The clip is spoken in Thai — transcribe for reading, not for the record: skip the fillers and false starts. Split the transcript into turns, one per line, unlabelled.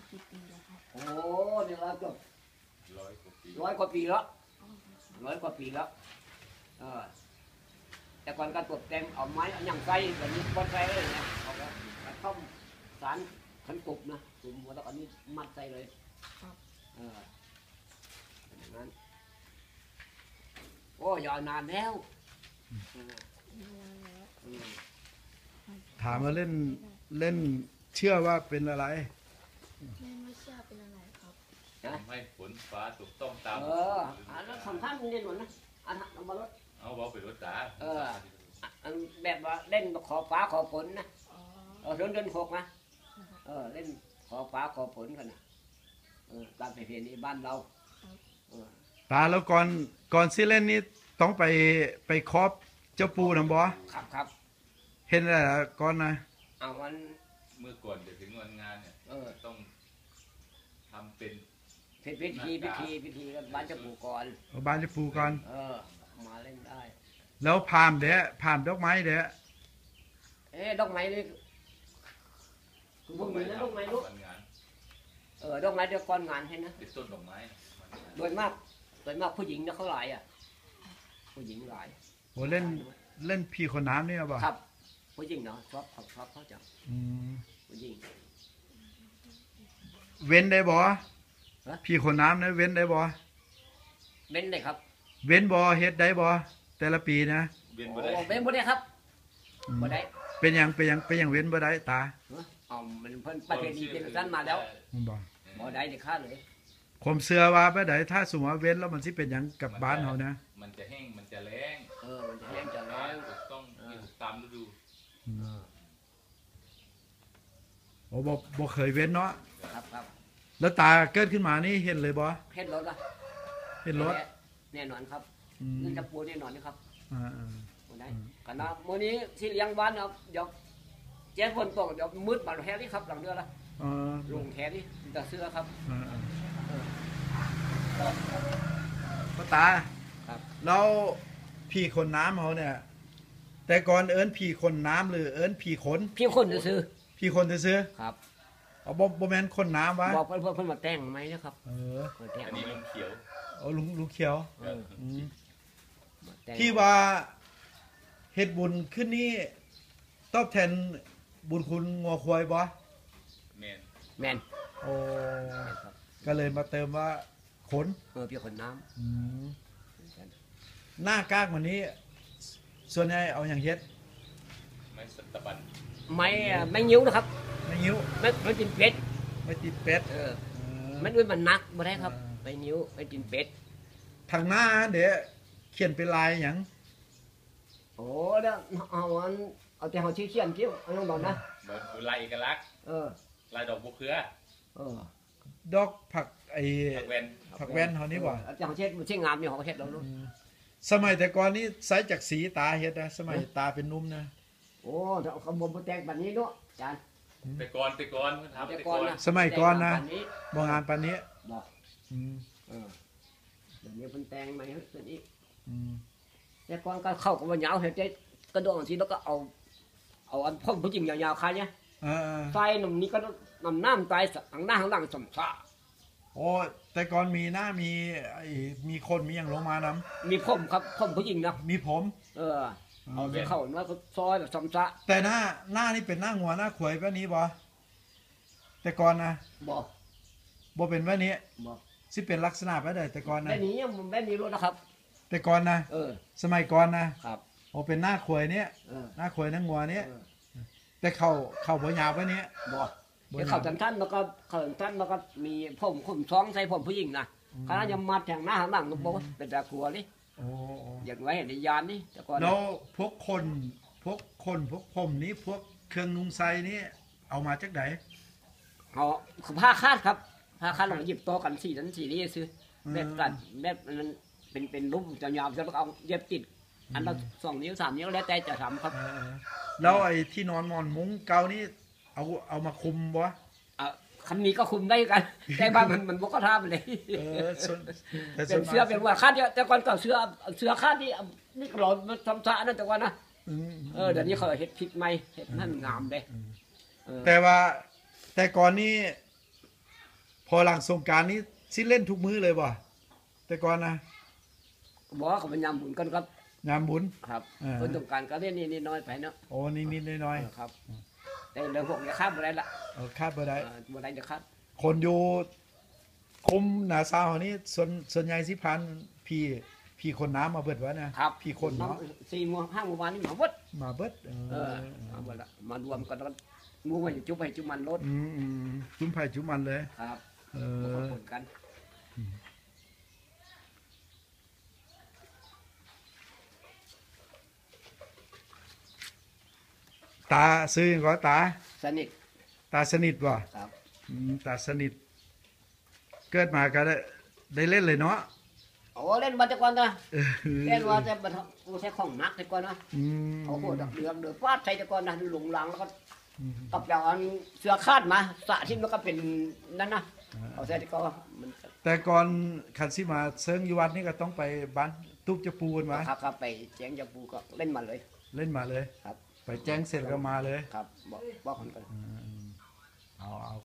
กี่ปีแล้วครับ
โอ้เนี่ยเราก็
ร้อยกว่าปี
ร้อยกว่าปีแล้วเออแต่ก่อนก็ตกแต่งเอาไม้เอาอย่างไส้แบบนี้บอนไส้เลยเนี่ยเอาแล้วกระท่อมสารขันกบนะตุ่มหัวแล้วอันนี้มัดใส่เลยเออเป็นอย่างนั้นโอ้ยาวนานแล้ว
ถามว่าเล่นเชื่อว่าเป็นอะไร
ไม่เชื่อเป็นอะไรครับ
ทำให้ฝนฟ้าถูกต้องตาม
อันนั้นสำคัญเด่นหมดนะอันนั้นเอามาลด
เอาเบาไปรถตา
อันแบบว่าเล่นขอฟ้าขอฝนนะเดือนหกนะเล่นขอฟ้าขอฝนกันนะตามประเพณีบ้านเรา
ตาแล้วก่อนสิเล่นนี่ต้องไปครอบเจ้าปูนะบอ
ครับ
เห็นอะไรก่อนนะ
เอาวัน
เมื่อก่อนจะถึงวันงานเนี่ยต้องทำเป็น
พิธีกันบ้านเจ้าปูก่อน
บ้านเจ้าปูก่อน
มาเล่นได้
แล้วผ่านดอกไม้เด้
ดอกไม้นี่คือพวกนี้นะดอกไม้ลูกดอกไม้เดี๋ยวก่อนงานให้นะ
เป็นต้นดอกไม้
โดยมากผู้หญิงนะเขาหลายผู้หญิงหลาย
โอ้เล่นพี่คนน้ำนี่หรอเปล่า
ครับผู้หญิงเนาะชอบเขาจังผู้หญิง
เว้นได้บ่พี่คนน้ำนะเว้นได้บ่
เว้นได้ครับ
เว้นบ่เฮ็ดได้บ่แต่ละปีนะ
เว้นบ่ได้
ครับบ่ได้
เป็นอย่างเว้นบ่ได้ตา
มันเพิ่นประเพณีเป็นสั้นมาแล้วบ่ได้เด็ดขาดเลย
ผมเชื่อว่าบ่ได้ถ้าสมมติว่าเว้นแล้วมันสิเป็นอย่างกับบ้านเฮานะ
มันจะแห้งมันจะแล้ง
มันจะแห้งจะแล้ง
ต้องตามฤดู
โอ้บ่เคยเว้นเนาะ
ครับ
แล้วตาเกิดขึ้นมานี่เห็นเลยบ่
เห็นรถล่ะ
เห็นรถ
แน่นอนครับนี่จะปูแน่นอนนะครับได้กันนะมื้อนี้ที่เลี้ยงบ้านครับเดี๋ยวแจ้งฝนตกเดี๋ยวมืดบาดแผลนี่ครับหลังเดือนละลงแผลนี่จะเสื้อครับ
พ่อตาแล้วพี่คนน้ำเขาเนี่ยแต่ก่อนเอิ้นพี่คนน้ำหรือเอิ้นพี่คน
ซื้อ
พี่คนซื้อ
ครับ
เอาบ่แม่นคนน้ำวะ
บอกเพิ่นมาแต่งไหมนะครับ
อันนี้ลุงเขียว
ลุงเขียวที่ว่าเฮ็ดบุญขึ้นนี่ตอบแทนบุญคุณงัวควายบ่
แม่น
โอ้ก็เลยมาเติมว่าขน
พี่ขนน้
ำหน้ากากวันนี้ส่วนใหญ่เอาอย่างเฮ็ด
ไม้สัตบัน
ไม่นิ้วนะครับ
ไม่นิ้ว
ไม่ติดเป็ดมันด้วยมันนักบ่ได้ครับไม่นิ้วไม่ติดเป็ด
ทางหน้าเดี๋ยวเขียนเป็นลายอย่าง
โอ้เด้อเอาแต่เขาชี้เขียนคิ้วเอาลงบอกนะ
ลายเอกลักษณ์ลายดอกบัวเครือ
ดอกผักผักแว่นเขานี่บ่
แต่เขาเช็ดมันเช็ดงามอยู่เขาเช็ดเราลูก
สมัยแต่ก่อนนี้ใส่จากสีตาเฮ็ดนะสมัยตาเป็นนุ่มนะ
โอ้เขาบ่มแต่งแบบนี้เนาะอาจารย์
แต่ก่อน
สมัยก่อนนะบ่งานปานนี้
บ่เดี๋ยวนี้เพิ่นแต่งใหม่เฮ็ดอีกแต่ก่อนก็เข้ากับว่ายาวเฮ็ดได้กระโดดสิแล้วก็เอาอันพ่นผู้หญิงยาวๆคายเนี่ยใส่นมนี้ก็น้ำใส่ข้างหน้าข้างหลังสมชา
โอ้แต่ก่อนมีหน้ามีคนมีอย่างลงมาน
ำมีผมครับผมผู้หญิงนะ
มีผม
เอาไปเข้าว่าซอยแบบสมชา
แต่หน้านี่เป็นหน้างัวหน้าขวยแบบนี้บ่แต่ก่อนนะบ่เป็นแบบนี้สิเป็นลักษณะแบบใดแต่ก่อนนะ
แบบนี้มันแบบนี้รู้นะครับ
แต่ก่อนนะสมัยก่อนนะครับโอ้เป็นหน้าขวยเนี้ยหน้าขวยหน้างัวเนี้ยแต่เข่าบ่ยาวแบบนี้
เขาท่านแล้วก็มีผมท้องใส่ผมผู้หญิงนะคณะยมัดแทงหน้าข้างหลังนุ๊กเป็นตะกัวนี่อย่างไว้เห็นในยานนี่แต่ก่อน
แล้วพวกผมนี้พวกเครื่องนุ่งไซนี่เอามาจากไหน
ผ้าคาดครับผ้าคาดเราหยิบโตกันสีนี้ซื้อแบบกันแบบนั้นเป็นรูปจะยาวจะเอาเย็บติดอันละ2 นิ้ว 3 นิ้วแล้วแต่จะทำครับ
แล้วไอ้ที่นอนมอนมุ้งเก่านี่เอามาคุมบ่
คำนี้ก็คุมได้กันแต่บ้านมันบ่ก็ทำเลยเป็นเสื้อเป็นว่าคาดแต่ก่อนก็เสื้อคาดนี่ก็หล่อมันทำซะนั่นแต่ว่านะเดี๋ยวนี้เขาเฮ็ดพริกใหม่เฮ็ดนั่นงามเด้
แต่ว่าแต่ก่อนนี้พอหลังสงกรารนี้สิเล่นทุกมื้อเลยบ่แต่ก่อนนะ
บอกว่าเขาเป็นยามบุญกันครับ
งานบุญ
ครับ
อ่า
คนต้องการก็เล่นนี่น้อยไปเนาะ
โอ้นิดๆน้อย
ครับแต่เรื่องพวกนี้ข้ามอะไรละ
ๆเอาคาดบ่ได้
บ่ได้จะข้าม
คนอยู่คุมหนาซาวนี่ส่วนใหญ่สิพันพี่คนน้ำมาเบิดวะนะครับ พี่คนเนาะ
4 โมง 5 โมงวันนี้มาเบิด
มาเบิด
มาเบิดละมารวมกันแล้วมูมาจุ๊บให้จุ๊บมันรถ
จุ้มไผ่จุ้มมันเลย
ครับ
เอ
มา
อ
ผลกัน
ตาซื้อหยังก็ตา
สนิท
ตาสนิทบ่
ครับ
ตาสนิท เกิดมาก็ได้เล่นเลยเนาะ
โอ้เล่นมาแต่ก่อนนะ
เออ
เล่นว่าแต่บัดกูใช้ของหนักแต่ก่อนนะ
อืม
โอ้โหเดือดฟาดใส่แต่ก่อนนะหลงหลังแล้วก็
อืม
กับอย่างอันเสือคาดมาสะที่มันก็เป็นนั่นนะเอาใส่ที่ก็มัน
แต่ก่อนคันสิมาเซิงอยู่วัดนี่ก็ต้องไปบ้านตุ๊บจะปูกันมา
ครับไปแจ้งยาปูก็เล่นมาเลย
เล่นมาเลย
ครับ
ไปแจ้งเสร็จก็มาเลย
ครับบอกคนกัน
เอา